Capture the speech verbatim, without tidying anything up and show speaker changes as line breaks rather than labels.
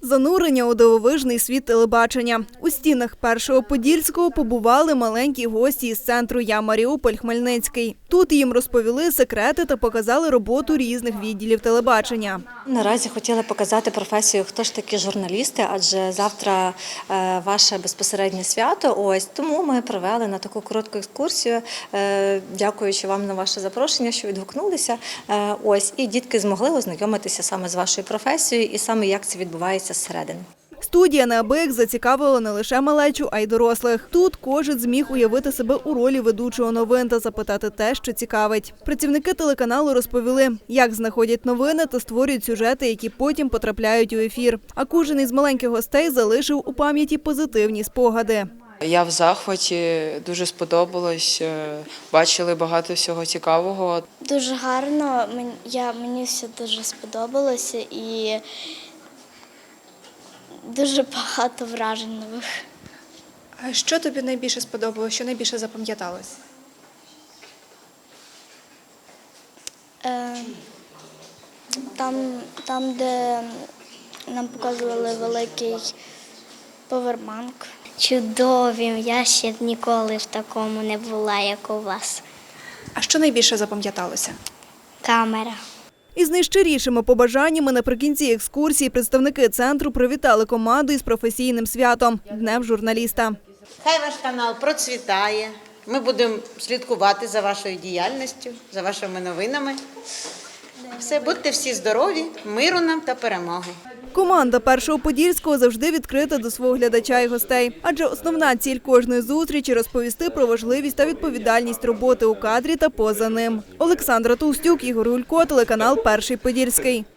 Занурення у дивовижний світ телебачення. У стінах Першого Подільського побували маленькі гості із центру «Я Маріуполь» Хмельницький. Тут їм розповіли секрети та показали роботу різних відділів телебачення.
Наразі хотіли показати професію, хто ж такі журналісти, адже завтра е, ваше безпосереднє свято. Ось тому ми провели на таку коротку екскурсію, е, дякуючи вам на ваше запрошення, що відгукнулися. Е, ось і дітки змогли ознайомитися саме з вашою професією і саме як це відбувається зсередини.
Студія неабияк зацікавила не лише малечу, а й дорослих. Тут кожен зміг уявити себе у ролі ведучого новин та запитати те, що цікавить. Працівники телеканалу розповіли, як знаходять новини та створюють сюжети, які потім потрапляють у ефір. А кожен із маленьких гостей залишив у пам'яті позитивні спогади.
Я в захваті, дуже сподобалось, бачили багато всього цікавого.
Дуже гарно, я, мені все дуже сподобалося і дуже багато вражень нових.
А що тобі найбільше сподобалося, що найбільше запам'яталось?
Е, там, там, де нам показували великий повербанк.
Чудові, я ще ніколи в такому не була, як у вас.
А що найбільше запам'яталося?
Камера.
Із найщирішими побажаннями наприкінці екскурсії представники центру привітали команду із професійним святом – Днем журналіста.
Хай ваш канал процвітає, ми будемо слідкувати за вашою діяльністю, за вашими новинами. Все, будьте всі здорові, миру нам та перемоги.
Команда Першого Подільського завжди відкрита до свого глядача і гостей. Адже основна ціль кожної зустрічі – розповісти про важливість та відповідальність роботи у кадрі та поза ним. Олександра Товстюк, Ігор Гулько, телеканал Перший Подільський.